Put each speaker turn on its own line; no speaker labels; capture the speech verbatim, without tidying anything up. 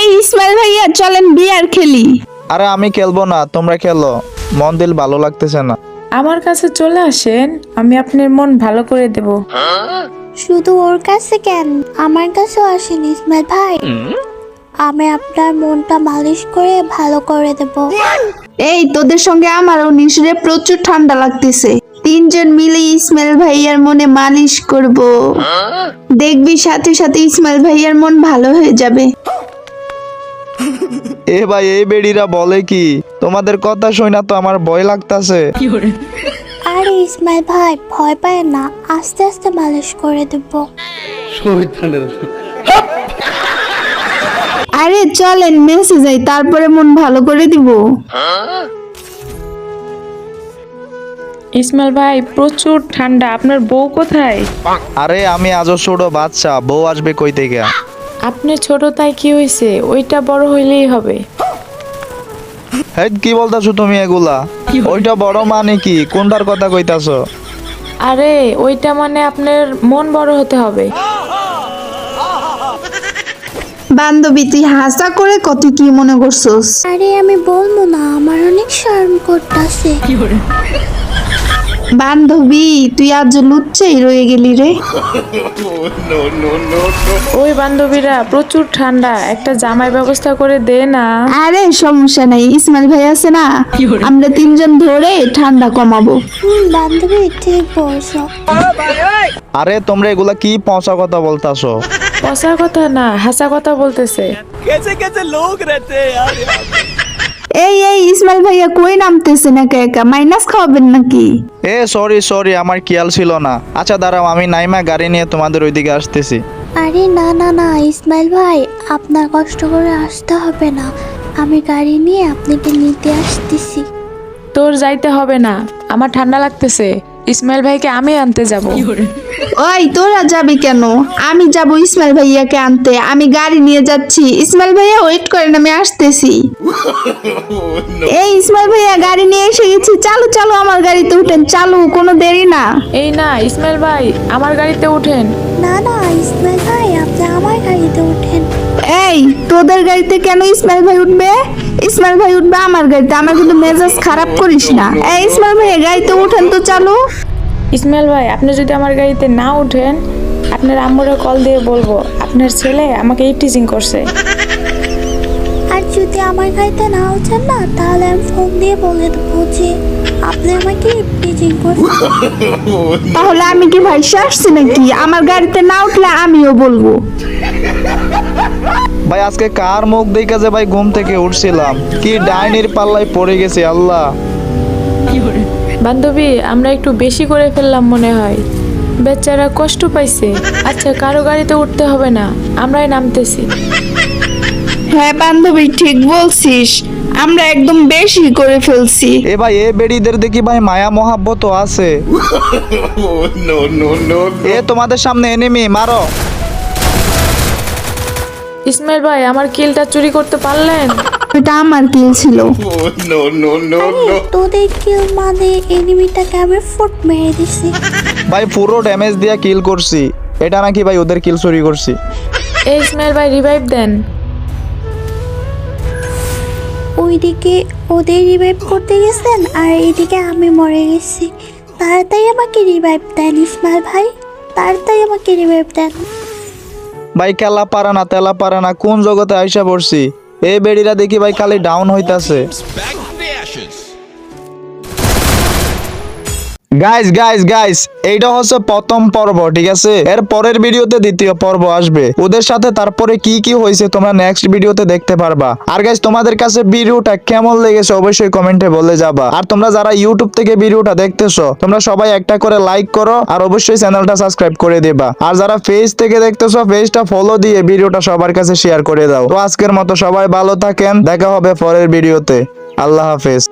ইসমাইল ভাইয়া চলেন বিয়ার খেলি।
আরে আমি খেলবো না, তোমরা খেলো, মন দিল ভালো লাগতেছে না।
আমার কাছে চলে আসেন, আমি আপনার মন ভালো করে দেব।
শুধু ওর কাছে কেন, আমার কাছেও আসেন ইসমাইল ভাই, আমি আপনার মনটা মালিশ করে ভালো করে দেব।
এই তোদের সঙ্গে আমার উনিশ রে প্রচুর ঠান্ডা লাগতেছে, তিনজন মিলে ইসমাইল ভাইয়ার মনে মালিশ করব, দেখবি সাথে সাথে ইসমাইল ভাইয়ার মন ভালো হয়ে যাবে।
এ ভাই এই বেড়িরা বলে কি, তোমাদের কথা শুই না তো আমার ভয় লাগতাছে।
আরে ইসমাইল ভাই ভয় পায় না, আস্তে আস্তে মালিশ করে দেব।
আরে চলেন মেসে যাই, তারপরে মন ভালো করে দিব।
ইসমাইল ভাই প্রচুর ঠান্ডা, আপনার বউ কোথায়?
আরে আমি আজও ছোট বাচ্চা, বউ আসবে কই থেকে?
আপনি ছোট তাই কি হয়েছে, ওইটা বড় হইলেই হবে।
হেই কি বলতাছো তুমি এগুলা? ওইটা বড় মানে কি, কোনটার কথা কইতাছো?
আরে ওইটা মানে আপনার মন বড় হতে হবে।
বান্ধবী তুই হাসা করে কত কি মনে করছস?
আরে আমি বলবো না, আমার অনেক শরম করতেছে।
বান্ধবী তুই আজ লুচ্ছেই রয়ে গেলি রে।
ওই বান্ধবীরা প্রচুর ঠান্ডা, একটা জামাই ব্যবস্থা করে দে না।
আরে সমস্যা নাই, ইসমাইল ভাই আছে না, আমরা তিনজন ধরে ঠান্ডা কমাবো।
হুম বান্ধবী ঠিক বলছো।
আরে তোমরা এগুলা কি পচা কথা বলতাছো?
পচা কথা না, হাসা কথা বলতেছে।
এই এই ইসমাইল ভাইয়া কই নামতেছেন একা একা, মাইনাস খাওয়াবেন নাকি?
এ সরি সরি, আমার খেয়াল ছিল না। আচ্ছা দাঁড়াও, আমি নাইমা গাড়ি নিয়ে তোমাদের ওইদিকে আসতেছি।
আরে না না না ইসমাইল ভাই, আপনার কষ্ট করে আসতে হবে না, আমি গাড়ি নিয়ে আপনাকে নিতে আসতেছি।
তোর যাইতে হবে না, আমার ঠান্ডা লাগতেছে, ইসমাইল ভাইকে আমি আনতে যাব।
ওই তোরা যাবি কেন? আমি যাব ইসমাইল ভাইয়াকে আনতে, আমি গাড়ি নিয়ে যাচ্ছি। ইসমাইল ভাইয়া ওয়েট করেন, আমি আসতেছি। এই ইসমাইল ভাইয়া গাড়ি নিয়ে এসে গেছি, চালু চালু আমার গাড়িতে উঠেন, চালু, কোনো দেরি না।
এই না ইসমাইল ভাই, আমার গাড়িতে উঠেন।
না না ইসমাইল ভাই, আপনি আমার গাড়িতে ওঠেন।
এই তোদের গাড়িতে কেন ইসমাইল ভাই উঠবে? ইসমাইল ভাই উঠবে আমার গাড়িতে, আমার কিন্তু মেজাজ খারাপ করিস না। এই ইসমাইল ভাই গাড়িতে উঠেন তো, চালু।
ইসমাইল ভাই আপনি যদি আমার গাড়িতে না উঠেন, আপনার আম্মুরে কল দিয়ে বলবো আপনার ছেলে আমাকে ইটিজিং করছে।
আর যদি আমার গাড়িতে না ওঠেন না, তাহলে আমি ফোন দিয়ে বলে দেবো যে আপনি আমাকে টিচিং করছেন।
তাহলে আমি কি ভাই আসছি নাকি? আমার গাড়িতে না উঠলে আমিও বলবো।
ভাই আজকে কার মুখ দেখে যে ভাই ঘুম থেকে উঠছিলাম, কি ডাইনির পাল্লায় পড়ে গেছি আল্লাহ।
বান্ধবী আমরা একটু বেশি করে ফেললাম মনে হয়, বেচারা কষ্ট পাইছে। আচ্ছা কারো গাড়িতে উঠতে হবে না, আমরাই নামতেছি।
হ্যাঁ বান্ধবী ঠিক বলছিস, আমরা একদম বেশি করে ফেলছি।
এ ভাই এ বেড়িদের দেখি ভাই মায়া মহাব্বত আছে। এ তোমাদের সামনে এনিমি, মারো।
ইসমাইল ভাই আমার কিলটা চুরি করতে পারলেন?
এটা আমার কিল ছিল।
আরে তোদের কিল মানে এনিমিটাকে আমি ফুট মেরে দিছি।
ভাই পুরো ড্যামেজ দিয়া কিল করছি, এটা নাকি ভাই ওদের কিল চুরি করছি।
এই ইসমাইল ভাই রিভাইভ দেন।
ওইদিকে ওদের রিভাইভ করতে গেছেন আর এইদিকে আমি মরে গেছি। তাড়াতাড়ি আমাকে রিভাইভ দেন ইসমাইল ভাই, তাড়াতাড়ি আমাকে রিভাইভ দেন।
ভাই খেলা পারে না তেলা পারে না, কোন জগতে আইসা পড়ছি। এই বেড়িরা দেখি ভাই খালি ডাউন হইতাছে। গাইস গাইস গাইস এইটা হচ্ছে প্রথম পর্ব, ঠিক আছে? এর পরের ভিডিওতে দ্বিতীয় পর্ব আসবে ওদের সাথে, তারপরে কি কি হয়েছে তোমরা নেক্সট ভিডিওতে দেখতে পারবা। আর গাইস তোমাদের কাছে ভিডিওটা কেমন লেগেছে অবশ্যই কমেন্টে বলে যাবা। আর তোমরা যারা ইউটিউব থেকে ভিডিওটা দেখতেছো তোমরা সবাই একটা করে লাইক করো আর অবশ্যই চ্যানেলটা সাবস্ক্রাইব করে দিবা। আর যারা পেজ থেকে দেখতেছো পেজটা ফলো দিয়ে ভিডিওটা সবার কাছে শেয়ার করে দাও। তো আজকের মতো সবাই ভালো থাকেন, দেখা হবে পরের ভিডিওতে। আল্লাহ হাফেজ।